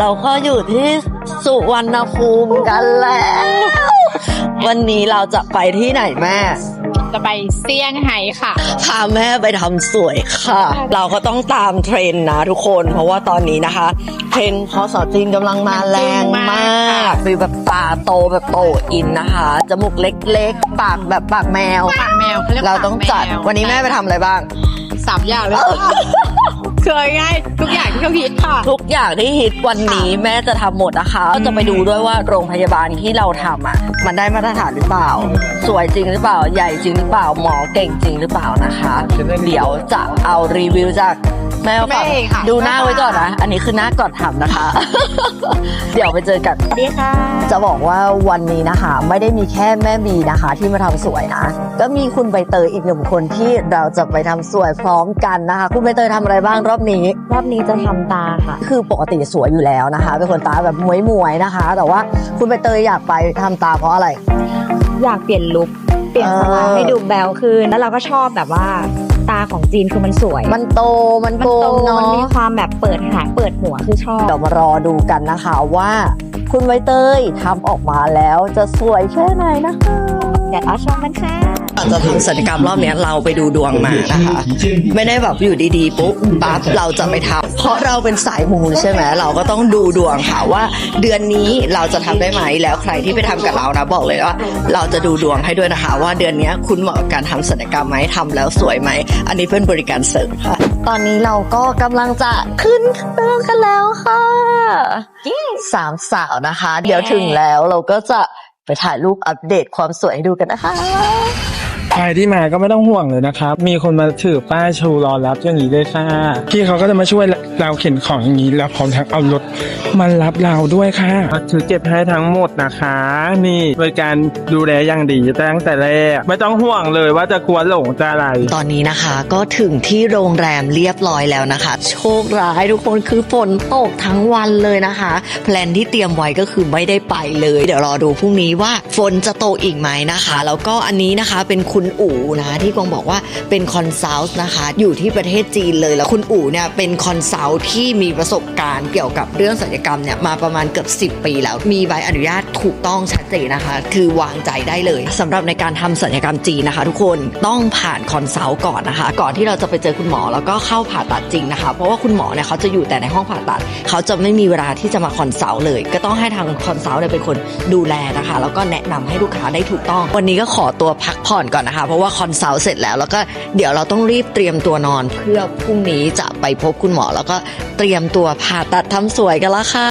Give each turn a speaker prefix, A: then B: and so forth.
A: เราก็อยู่ที่สุวรรณภูมิกันแล้ว วันนี้เราจะไปที่ไหนแม่
B: จะไปเซี่ยงไฮ้ค่ะ
A: พาแม่ไปทำสวยค่ะ เราก็ต้องตามเทรนด์นะทุกคนเพราะว่าตอนนี้นะคะเทรนด์พศจีนกำลังมาแรงมากฟีลแบบตาโตแบบโตอินนะคะจมูกเล็กๆปากแบบปากแมวเราต้องจัดวันนี้แม่ไปทำอะไรบ้าง
B: 3 อย่างเลยเคยง่ายทุกอย่างที่เขาฮิตค่ะ
A: ทุกอย่างที่ฮิตวันนี้แม่จะทำหมดนะคะก็จะไปดูด้วยว่าโรงพยาบาลที่เราทำอ่ะมันได้มาตรฐานหรือเปล่าสวยจริงหรือเปล่าใหญ่จริงหรือเปล่าหมอเก่งจริงหรือเปล่านะคะเดี๋ยวจะเอารีวิวจากแม่ก่อนดูหน้าไว้ก่อนนะอันนี้คือหน้าก่อนทำนะคะ เดี๋ยวไปเจอกัน
B: ดีค่ะ
A: จะบอกว่าวันนี้นะคะไม่ได้มีแค่แม่บีนะคะที่มาทำสวยนะก็มีคุณใบเตยอีก1 คนที่เราจะไปทำสวยพร้อมกันนะคะคุณใบเตยทำอะไรบ้างรอบนี้
C: จะทำตาค่ะ
A: คือปกติสวยอยู่แล้วนะคะเป็นคนตาแบบมวยๆนะคะแต่ว่าคุณใบเตยอยากไปทำตาเพราะอะไร
C: อยากเปลี่ยนลุคเปลี่ยนสไตล์ให้ดูแบวขึ้นแล้วเราก็ชอบแบบว่าตาของจีนคือมันสวย
A: มันโตมันโกงเนาะ
C: มันมีความแบบเปิดหางเปิดหัวคือชอบ
A: เดี๋ยวมารอดูกันนะคะว่าคุณใบเตยทำออกมาแล้วจะสวยแค่ไหนนะคะ
C: เดี๋ยวเราชมกันค่ะ
A: จะทำศัลยกรรมรอบนี้เราไปดูดวงมานะคะไม่ได้แบบอยู่ดีๆปุ๊บปั๊บเราจะไปทำเพราะเราเป็นสายมูใช่ไหมเราก็ต้องดูดวงค่ะว่าเดือนนี้เราจะทำได้ไหมแล้วใครที่ไปทำกับเรานะบอกเลยว่าเราจะดูดวงให้ด้วยนะคะว่าเดือนนี้คุณเหมาะกับการทำศัลยกรรมไหมทำแล้วสวยไหมอันนี้เป็นบริการเสริมค่ะตอนนี้เราก็กำลังจะขึ้นเครื่องกันแล้วค่ะ3 สาวนะคะเดี๋ยวถึงแล้วเราก็จะไปถ่ายรูปอัปเดตความสวยให้ดูกันนะคะ
D: ใครที่มาก็ไม่ต้องห่วงเลยนะครับมีคนมาถือป้ายชูรอรับอย่างนี้เลยค่ะพี่เขาก็จะมาช่วยเราเข็นของอย่างนี้แล้วพร้อมทั้งเอารถมารับเราด้วยค่ะถือเก็บให้ทั้งหมดนะคะนี่บริการดูแลอย่างดีตั้งแต่แรกไม่ต้องห่วงเลยว่าจะกลัวหลงจะอะไร
A: ตอนนี้นะคะก็ถึงที่โรงแรมเรียบร้อยแล้วนะคะโชคร้ายทุกคนคือฝนตกทั้งวันเลยนะคะแพลนที่เตรียมไว้ก็คือไม่ได้ไปเลยเดี๋ยวรอดูพรุ่งนี้ว่าฝนจะตกอีกไหมนะคะแล้วก็อันนี้นะคะเป็นคุณอู๋นะที่กวางบอกว่าเป็นคอนซัลท์นะคะอยู่ที่ประเทศจีนเลยแล้วคุณอู๋เนี่ยเป็นคอนซัลท์ที่มีประสบการณ์เกี่ยวกับเรื่องศัลยกรรมเนี่ยมาประมาณเกือบ10 ปีแล้วมีใบอนุญาตถูกต้องชัดเจนนะคะคือวางใจได้เลยสำหรับในการทำศัลยกรรมจีนนะคะทุกคนต้องผ่านคอนซัลท์ก่อนนะคะก่อนที่เราจะไปเจอคุณหมอแล้วก็เข้าผ่าตัดจริงนะคะเพราะว่าคุณหมอเนี่ยเขาจะอยู่แต่ในห้องผ่าตัดเขาจะไม่มีเวลาที่จะมาคอนซัลท์เลยก็ต้องให้ทางคอนซัลท์เนี่ยเป็นคนดูแลนะคะแล้วก็แนะนำให้ลูกค้าได้ถูกต้องวันนี้ก็ขอตัวพักผ่อนก่อนนะคะเพราะว่าคอนซัลท์เสร็จแล้วก็เดี๋ยวเราต้องรีบเตรียมตัวนอนเพื่อพรุ่งนี้จะไปพบคุณหมอแล้วก็เตรียมตัวผ่าตัดทำสวยกันละค่ะ